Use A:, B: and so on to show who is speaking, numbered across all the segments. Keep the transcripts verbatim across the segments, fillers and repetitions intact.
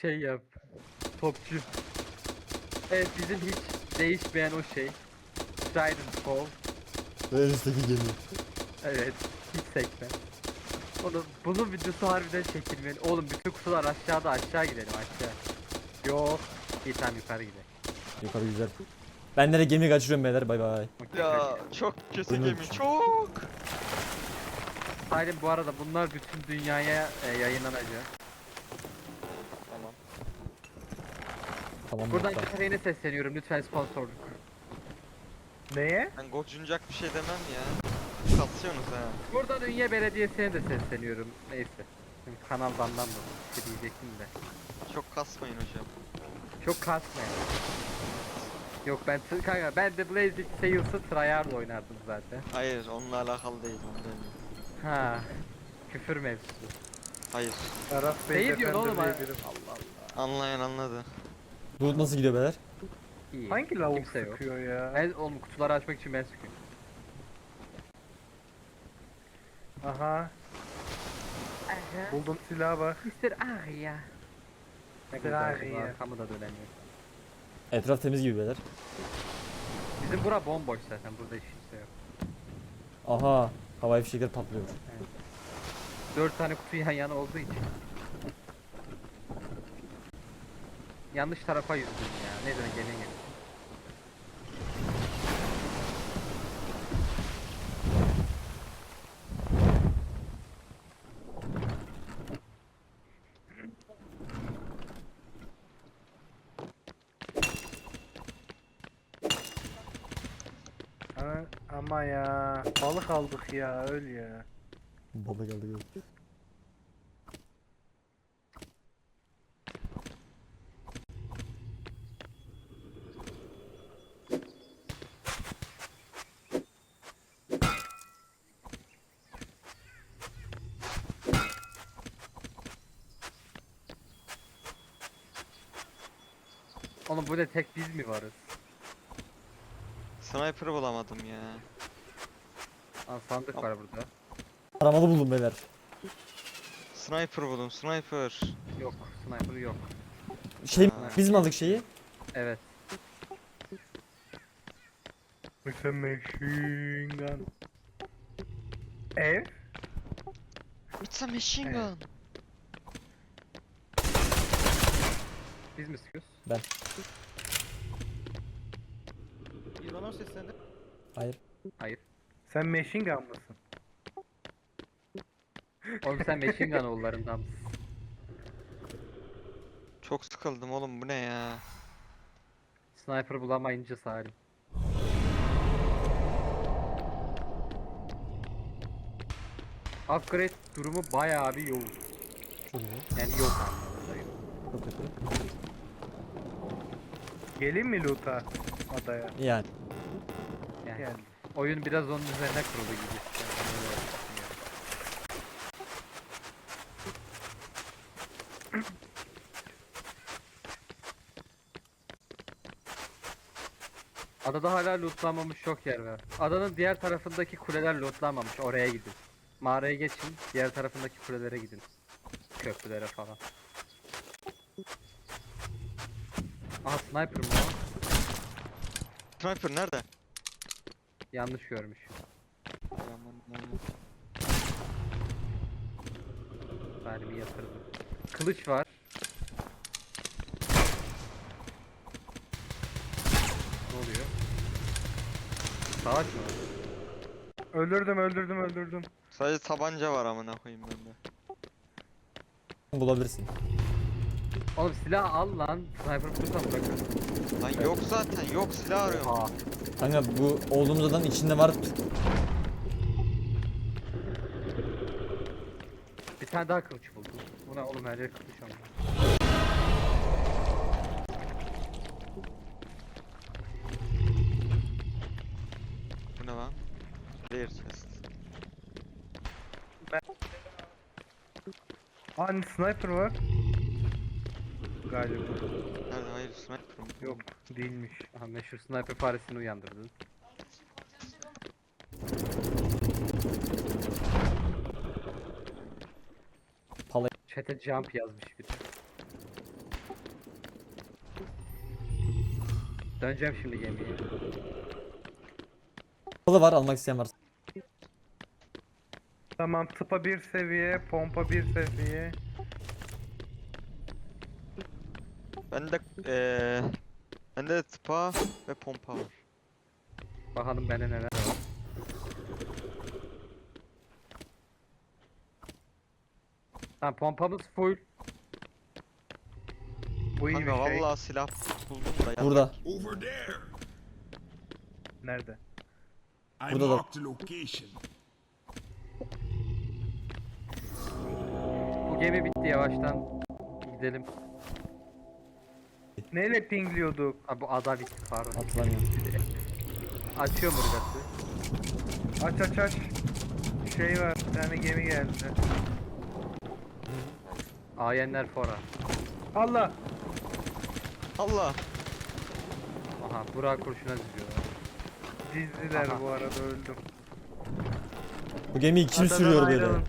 A: şey yap. Topçu. Evet, bizim hiç değişmeyen o şey. Trident Fall.
B: En üstteki gemi.
A: Evet. Hiç sekme. Oğlum bunun videosu harbiden çekilmeli. Oğlum bütün kutular aşağıda, aşağı gidelim aşağı. Yok. İyi tamam, yukarı gidelim.
B: Yukarı güzel. Ben nereye gemi kaçırıyorum beyler, bay bay.
A: Okey,
C: Ya çok kötü
B: Oyun
C: gemi
B: için.
C: çok.
A: Salim, bu arada bunlar bütün dünyaya e, yayınlanacak.
C: Tamam.
B: Tamam.
A: Buradan
B: hatta.
A: Kafe'ye sesleniyorum, lütfen sponsorluk.
D: Neye?
C: Ben gocunacak bir şey demem ya. Kasıyorsunuz ha.
A: Buradan Ünye Belediyesi'ne de sesleniyorum. Neyse. Şimdi kanal bandan da bir şey diyecektim de.
C: Çok kasmayın hocam.
A: Çok kasmayın. Yok ben t- kanka ben de Blazing Sales'ı tryhard oynardım zaten.
C: Hayır onunla alakalı değil onu demiyorum.
A: Ha. Küfür mevzusu.
C: Hayır.
D: Taraf
A: Neyi diyorsun oğlum ha?
D: diyebilirim.
A: Allah Allah.
C: Anlayan anladı.
B: Bu nasıl gidiyor beyler?
A: İyi.
D: Hangi lavuk
A: Kimse yok.
D: sıkıyor ya?
A: Ben oğlum kutuları açmak için ben sıkıyorum.
D: Aha.
A: Aha.
D: Buldum silaha bak.
A: mister Arya. Ne
D: mister
A: kadar
D: Arya.
A: arkamı da dönemiyor.
B: Etraf temiz gibi beyler.
A: Bizim bura bomboş zaten, burada hiç kimse yok.
B: Aha. Havai fişekler patlıyor.
A: Dört tane kutu yan yana olduğu için. Yanlış tarafa yüzdüm ya. Neyse gelin gelin.
D: Ama, ama ya. Balık aldık ya, öl ya.
B: Baba geldi geldi.
A: Oğlum bu ne, tek biz mi varız?
C: Sniper bulamadım ya.
A: Aa, sandık var burada.
B: Aramalı buldum beyler.
C: Sniper buldum sniper.
A: Yok, sniper yok.
B: Şey
C: Ha.
B: biz mi aldık şeyi?
A: Evet.
D: With a machine gun. Ev?
C: It's a machine
D: Evet.
C: gun.
A: Biz mi sıkıyoruz?
B: Ben.
E: Bir bana seslendi.
B: Hayır.
A: Hayır.
D: Sen machine gun mısın?
A: Oğlum sen machine gun oğullarından mısın?
C: Çok sıkıldım oğlum bu ne ya.
A: Sniper bulamayınca Salim. Upgrade durumu bayağı bir yoğun.
B: Çok iyi.
A: Yani yok anlamında yok.
B: Çok kötü.
D: Geleyim mi loot'a? Adaya.
B: Yani.
A: Yani
D: Gel.
A: oyun biraz onun üzerine kurulu gibi. Yani öyle düşünüyorum. Adada hala lootlanmamış çok yer var. Adanın diğer tarafındaki kuleler lootlanmamış. Oraya gidin. Mağaraya geçin. Diğer tarafındaki kulelere gidin. Köprülere falan. Aha, sniper mı o?
C: Sniper nerede?
A: Yanlış görmüş.
C: Aman, aman.
A: Salim'i yatırdım. Kılıç var. Ne oluyor? Savaş mı var?
D: Öldürdüm, öldürdüm, öldürdüm.
C: Sadece tabanca var amına koyayım bende.
B: Bulabilirsin.
A: Oğlum silah al lan. Sniper bulursan bırakırsın.
C: Lan yok zaten yok silah arıyorum.
A: Oha.
B: Kanka bu olduğumuz adanın içinde var.
A: Bir tane daha kılıç buldum. Bu ne oğlum, her yer kılıç ama.
C: Bu ne lan? Rare chest.
D: Hani sniper var. Galiba.
C: Nerede? Hayır sniper mı?
D: Yok, değilmiş.
A: Aha, meşhur sniper faresini uyandırdın.
B: Pala-
A: Chat'e jump yazmış biri. Döneceğim şimdi gemiye.
B: Kola var, almak isteyen var.
D: Tamam, tıpa bir seviye, pompa bir seviye.
C: Bende eee bende de tıpa ve pompa var.
A: Bakalım bende neler var. Tamam pompamız full.
D: Bu iyi
C: Kanka
D: bir şey.
C: vallahi silah buldum da ya.
B: Burada.
F: Over there.
D: Nerede?
F: I
B: Burada da-
F: marked the location.
A: Bu gemi bitti yavaştan. Gidelim.
D: Neyle pingliyorduk?
A: Ha bu ada bitti pardon.
B: Hatırlamıyorum.
A: Açıyorum burası.
D: Aç aç aç. Şey var, bir tane gemi geldi.
A: Ayenler fora.
D: Allah!
C: Allah.
A: Aha Burak kurşuna diziyorlar.
D: Dizdiler
A: Aha.
D: bu arada, öldüm.
B: Bu gemiyi kim
D: Adadan
B: sürüyor böyle?
D: ayrılın.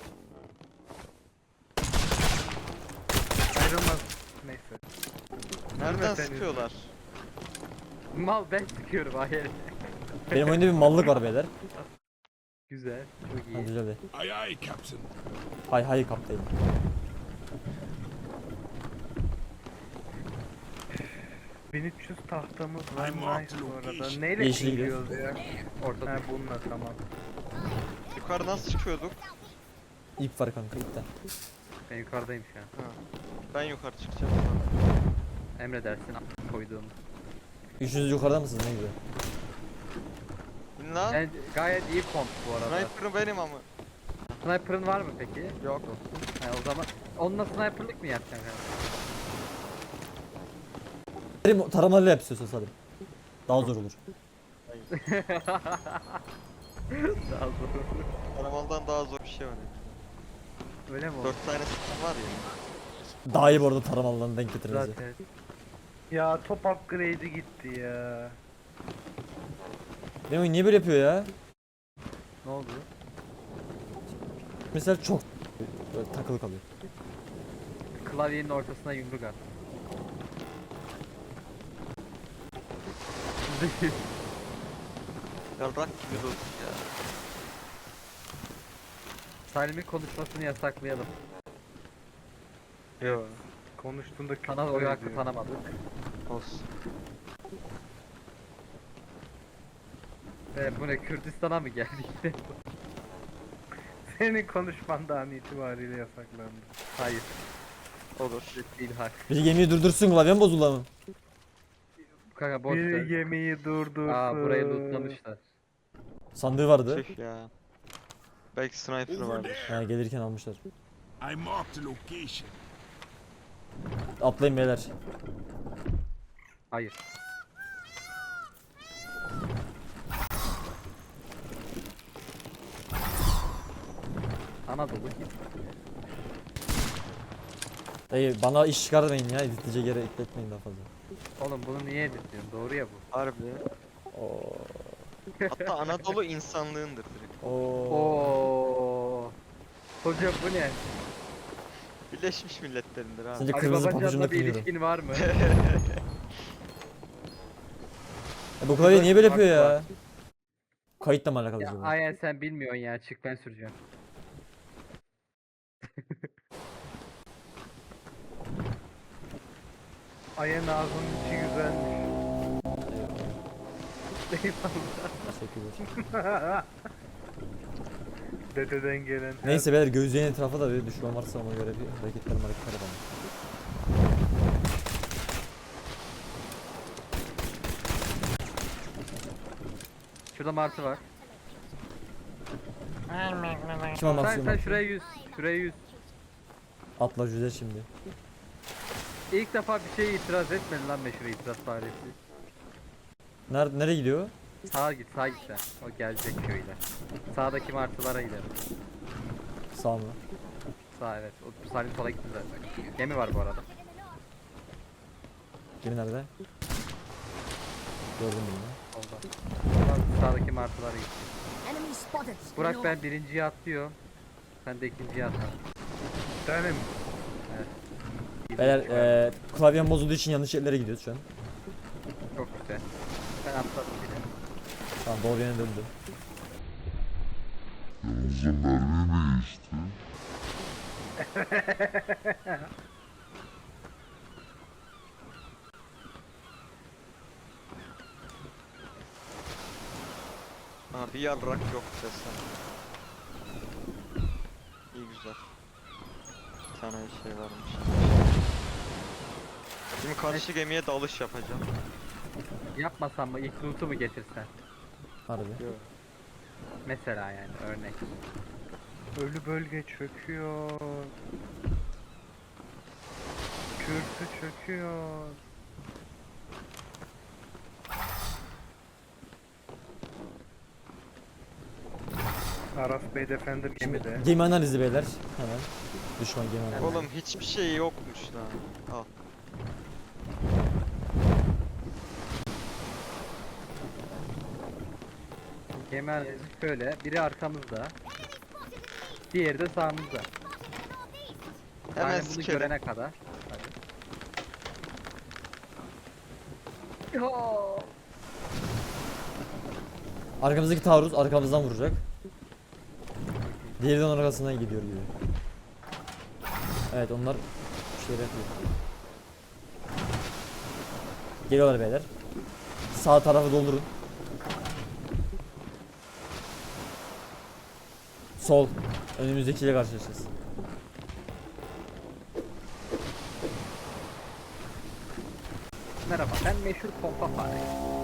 D: Ayrılmaz. Neyse.
C: Nereden
D: Sen-
C: sıkıyorlar?
A: Mal ben sıkıyorum ayen.
B: Benim oyunda bir mallık var beyler.
A: Güzel. Çok
B: Ha,
A: iyi.
B: güzel de.
F: Aye aye, Captain.
B: Hay hay kaptayım.
D: bin üç yüz tahtamız var.
F: I'm off
D: Nice
F: to
D: bu arada.
F: location.
D: Neyle
B: Yeşile
D: pingliyoruz ya?
A: Ortada.
D: Ha bununla, tamam.
C: Yukarı nasıl çıkıyorduk?
B: İp var kanka, ipten.
A: Ben yukarıdayım şu an.
C: Ha. Ben yukarı çıkacağım.
A: Emredersin koyduğum.
B: Üçünüz yukarıda mısınız, ne güzel.
C: İn lan.
A: Yani gayet iyi komp bu arada.
C: Sniper'ım benim ama.
A: Sniper'ın var mı peki?
C: Yok.
A: Ha, o zaman onunla sniper'lık mı yapacaksın kanka?
B: Benim taramayla yap istiyorsan Salim. Daha zor olur.
A: Daha zor.
C: Aramaldan daha zor bir şey var ya.
A: Öyle mi oldu?
C: Dört tane silah var ya.
B: Daha iyi bu arada taramalıdan denk getiririz.
A: Zaten.
D: Ya top upgrade'i gitti ya.
B: Benim oyun niye böyle yapıyor ya?
A: Ne oldu?
B: Mesela çok böyle takılı kalıyor.
A: Klavyenin ortasına yumruk at.
C: Yarrak gibi dostum ya.
A: Salim'in konuşmasını yasaklayalım.
D: Yok. Konuştuğunda küfür
A: Sana oy hakkı
D: ediyor.
A: tanımadık.
C: Olsun.
A: Ve bu ne Kürdistan'a mı geldik?
D: Senin konuşman da an itibariyle yasaklandı.
A: Hayır.
C: Olur.
A: Değil hak.
B: Bir gemiyi durdursun, klavyem bozuldu ama.
A: Kanka boş
D: Bir
A: ver.
D: gemiyi durdursun.
A: Aa burayı lootlamışlar.
B: Sandığı vardı.
C: Tüh ya. Belki sniper
F: Over
C: vardır.
F: there.
B: Ha, gelirken almışlar.
F: I marked the location.
B: Atlayın beyler.
A: Hayır. Anadolu git.
B: Dayı bana iş çıkarmayın ya, editleyecek yere ekletmeyin daha fazla.
A: Oğlum bunu niye editliyorsun? Doğru ya bu.
C: Harbi.
B: Oo.
C: Hatta Anadolu insanlığındır direkt.
B: Oo.
A: Oo. Hocam bu ne?
C: Birleşmiş Milletler'indir abi.
B: Sence
A: Ali
B: kırmızı pabucunu
A: Babacan'la bir
B: kırıyorum.
A: ilişkin var mı?
B: E, bu klavye niye böyle yapıyor
A: Fark
B: ya?
A: var.
B: Kayıtla mı alakalı
A: Ya
B: acaba?
A: Ayen sen bilmiyorsun ya. Çık ben süreceğim.
D: Ayın ağzının içi güzelmiş.
A: Eyvallah.
B: Teşekkürler.
D: Dededen gelen. her-
B: Neyse beyler, gözlerin etrafa da bir düşman varsa ona göre bir hareketler hareketler yapalım.
A: Şurada martı var.
B: Kim almak
A: Sen,
B: istiyor
A: sen
B: Martı?
A: şuraya yüz. Şuraya yüz.
B: Atla güzel şimdi.
A: İlk defa bir şeye itiraz etmedin lan meşhur itiraz faresi.
B: Nerede, nereye gidiyor?
A: Sağa git, sağa git sen. O gelecek köyüyle. Sağdaki martılara gidelim.
B: Sağ mı?
A: Sağ evet. O Salim sola gitti zaten. Gemi var bu arada.
B: Gemi nerede? Gördüm bunu.
A: Solda. Ulan sağdaki martılara git.
G: Enemy spotted.
A: Burak ben birinciye atlıyorum. Sen de ikinciye atla.
D: Tane mi?
B: Beyler eee klavyem bozulduğu için yanlış yerlere gidiyoruz şu an.
A: Çok güzel. atladım bile.
B: Tamam doğru yöne döndü.
G: Yalnızca mermi mi geçti?
C: Ha bir yarrak yok desem. İyi güzel. Bir tane şey varmış. Şimdi karşı gemiye dalış yapacağım.
A: Yapmasam mı ilk loot'u mu getirsen?
B: Harbi.
A: Mesela yani örnek.
D: Ölü bölge çöküyor. Kürsü çöküyor. Aras Bey Defender gemide.
B: Gemi analizi beyler. Hemen. Düşman gemi analizi.
C: Oğlum hiçbir şey yokmuş lan. Al.
A: Gemi analizi şöyle. Biri arkamızda. Diğeri de sağımızda.
C: Hemen
A: Yani bunu
C: sikelim.
A: görene kadar. Hadi.
B: Arkamızdaki taarruz arkamızdan vuracak. Diğeri de onun arkasından gidiyor gibi. Evet onlar bir şeyler yapıyor. Geliyorlar beyler. Sağ tarafı doldurun. Sol. Önümüzdekiyle karşılaşacağız.
A: Merhaba, ben meşhur pompa fare.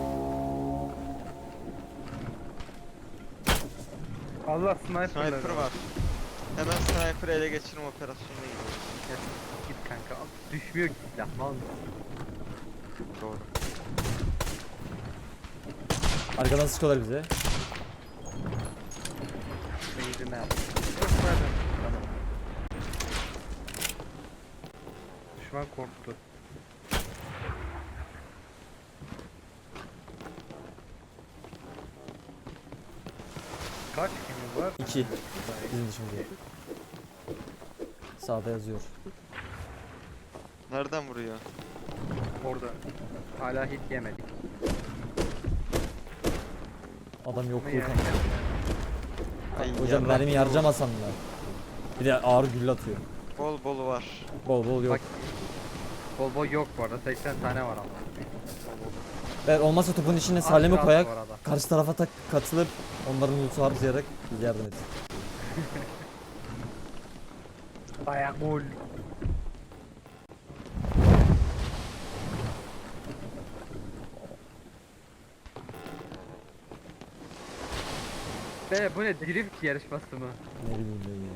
D: Allah sniper,
C: Sniper var. Hemen sniper ele geçirme operasyonuna gidiyoruz.
A: Ya, git kanka, düşmüyor ki silah, mal mısın?
C: Doğru.
B: Arkadan sıkıyorlar bize.
A: Benzine yap.
D: Düşman korktu. Kaç gemi var?
B: İki. Bizim dışımızda. Sağda yazıyor.
C: Nereden vuruyor?
A: Orada. Hala hit yemedik.
B: Adam yok
A: Ama
B: yok.
A: yani-
C: Ay,
B: Hocam
C: yarrak
B: mermi
C: bol-
B: harcamasam mı? Bir de ağır gülle atıyor.
C: Bol bol var.
B: Bol bol yok.
A: Bak, bol bol yok bu arada, seksen tane var ama.
B: Eğer olmazsa topun içine
A: Az
B: Salim'i
A: kaldı
B: koyak.
A: bu arada.
B: Karşı tarafa tak katılıp onların loot'u harcayarak bize yardım et.
D: Dayak gol.
A: Be bu ne, drift yarışması mı?
B: Ne bileyim ben ya.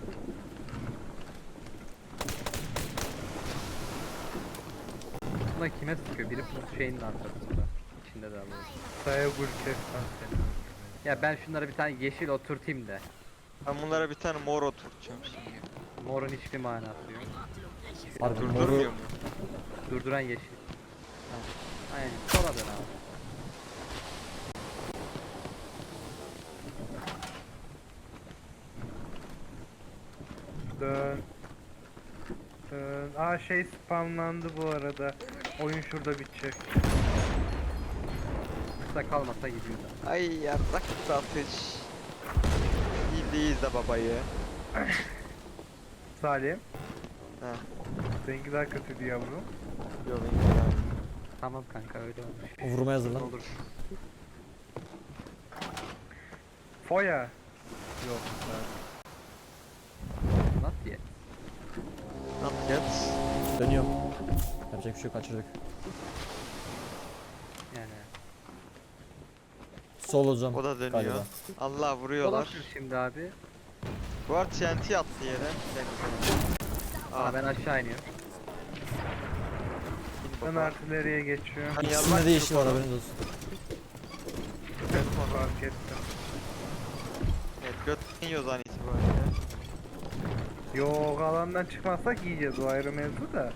A: Buna kime sıkıyor? Biri bu şeyin arkasında. İçinde de alıyor.
D: Dayak gol kes lan seni.
A: Ya ben şunlara bir tane yeşil oturtayım da.
C: Ben bunlara bir tane mor oturtacağım şimdi.
A: Morun hiçbir manası yok.
B: Harbi
C: Durdurmuyor
B: moru
C: mu?
A: Durduran yeşil. Tamam. Aynen, sola dön abi.
D: Dön. Dön. Aa şey spamlandı bu arada. Oyun şurada bitecek.
A: Kısa kalmasa gidiyor da.
C: Ay yarrak satış. İyiyiz de babayı.
D: Salim.
C: Heh.
D: Seninki daha kötüydü yavrum.
C: Yok benim yani.
A: Tamam kanka, öyle olmuş.
B: o vurmaya hazırlan.
A: Olur.
D: Foya. Yok.
A: Nasıl ye?
C: Not yet.
B: Dönüyorum. Yapacak bir şey yok, kaçırdık.
A: Yani.
B: Sol hocam.
C: O da dönüyor.
B: Galiba.
C: Allah vuruyorlar.
A: Dolaşır şimdi abi.
C: Bu arada T N T attı yere. Denize.
A: Aa,
C: Aa
A: ben aşağı iniyorum.
C: in
D: Ben
C: baba.
D: artilleriye geçiyorum.
C: Hani
B: İkisinde
C: yarrak
B: de yeşil var,
C: yok
B: haberiniz olsun.
D: Fark ettim.
C: Evet götten yiyoruz an itibariyle.
D: Yok, alandan çıkmazsak yiyeceğiz, o ayrı mevzu da.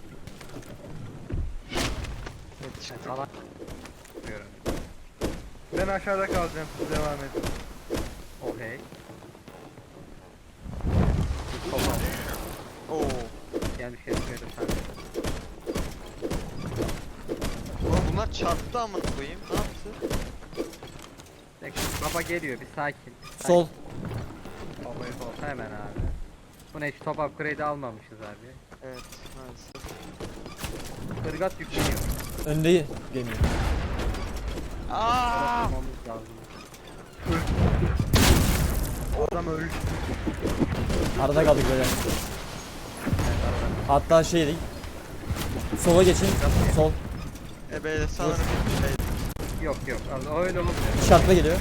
C: Evet çıktık.
A: Falan. Yapıyorum.
D: Ben aşağıda kalacağım, siz devam edin.
A: Oh hey.
C: Oo.
A: Yani bir şey söyledim sen.
C: Oğlum bunlar çarptı amına koyayım. Ne yapıyor?
A: Baba geliyor bir sakin.
B: Sol.
A: Babayı sol hemen abi. Bu ne, hiç top upgrade almamışız abi.
C: Evet maalesef.
A: Irgat yükleniyor.
B: Önde gemi.
C: Aa!
A: Yapmamız lazım.
D: Adam ölü.
B: Arada kaldık böyle. Hatta şey değil. Sola geçin. Sol.
C: E beyler sanırım şey.
A: Yok yok Allah öyle olmuyor.
B: Şartla geliyor.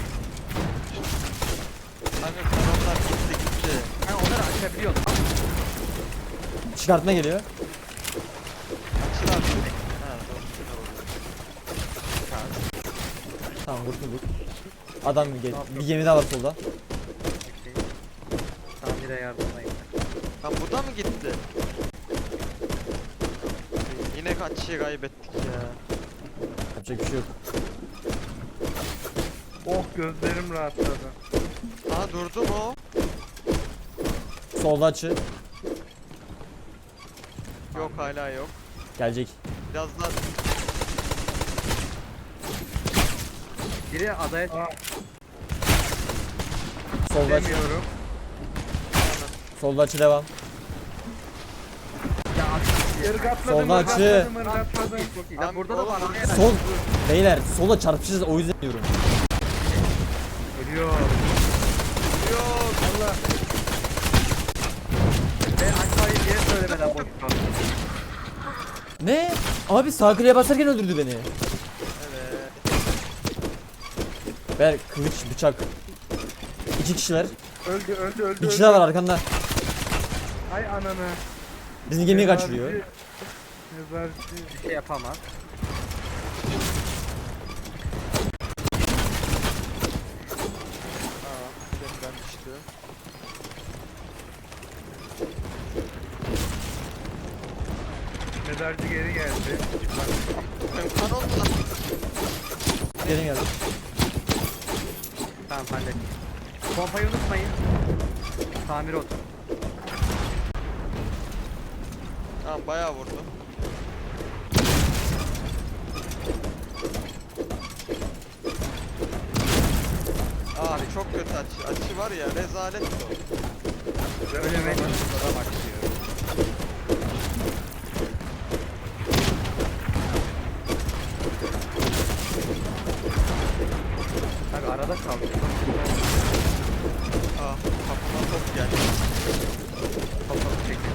C: Kanka kanallar gitti gitti.
A: Ha onları açabiliyorsun.
B: Çıkartma geliyor.
C: Açıl abi. Ha doğru.
B: Tamam kurtulduk. Adam gel. Bir gemi daha var solda.
A: Okey. Tamire yardımdayım.
C: Lan bu da mı gitti? Yine kaç şey kaybettik ya.
B: Yapacak bir şey yok.
D: Oh gözlerim rahatladı.
C: Aa durdu mu o?
B: Solda açı.
C: Yok hala yok.
B: Gelecek.
C: Biraz daha
A: Biri adaya
D: Aa,
B: Solda açı.
D: demiyorum.
B: Solda açı devam.
A: ya at-
D: Irgatladım,
B: Solda açı.
D: ırgatladım, ırgatladım.
A: Ya burada da var.
C: Oğlum,
A: araya-
B: Sol. Beyler sola çarpışacağız o yüzden diyorum.
A: Ölüyor.
C: yok.
D: Allah.
A: Ve açmayı diye söylemeden boş kaldı.
B: Ne? Abi sağ kliğe basarken öldürdü beni.
C: Evet.
B: Ver kılıç bıçak. İki kişiler.
D: Öldü öldü öldü.
B: Bir kişi
D: öldü.
B: daha var arkanda.
D: Ay ananı.
B: Bizim gemiyi
D: Mezarcı-
B: kaçırıyor.
D: Mezarcı.
A: Bir şey yapamaz.
C: Aa gemiden düştü.
D: Mezarcı geri geldi.
C: Benim kan oldu lan.
B: Gelin geldi.
A: Tamam hallettim. Pompayı unutmayın. Tamir otur.
C: Tamam bayağı vurdu. Abi çok kötü açı. Açı var ya rezalet o.
A: Ölüme noktada başlıyor. Abi arada kaldık.
C: Ah kafama top geldi.
A: Kapalı çekin.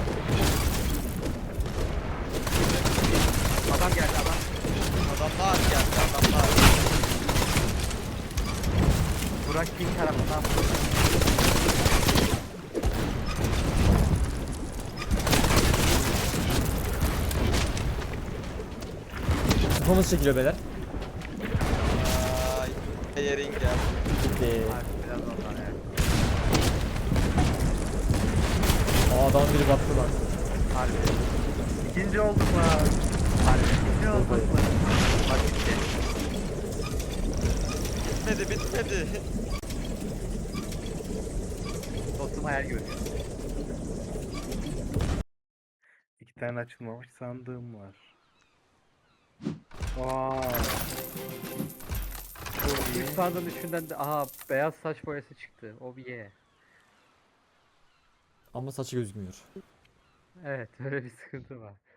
A: Adam geldi adam.
C: Adamlar geldi adamlar.
A: Burak King tarafından.
B: Kafamız çekiliyor beyler.
C: Ay yerin geldi.
B: Gitti.
A: Abi biraz ondan evet.
B: Aa adam biri battı lan.
A: Harbi.
D: İkinci olduk lan.
A: Harbi. Ne oldu? Bak gitti.
C: Bitmedi bitmedi.
A: Dostum hayal görüyor.
D: İki tane açılmamış sandığım var. Vay.
A: İlk sandığın içinden de aha beyaz saç boyası çıktı. O bir ye.
B: Ama saçı gözükmüyor.
A: Evet öyle bir sıkıntı var.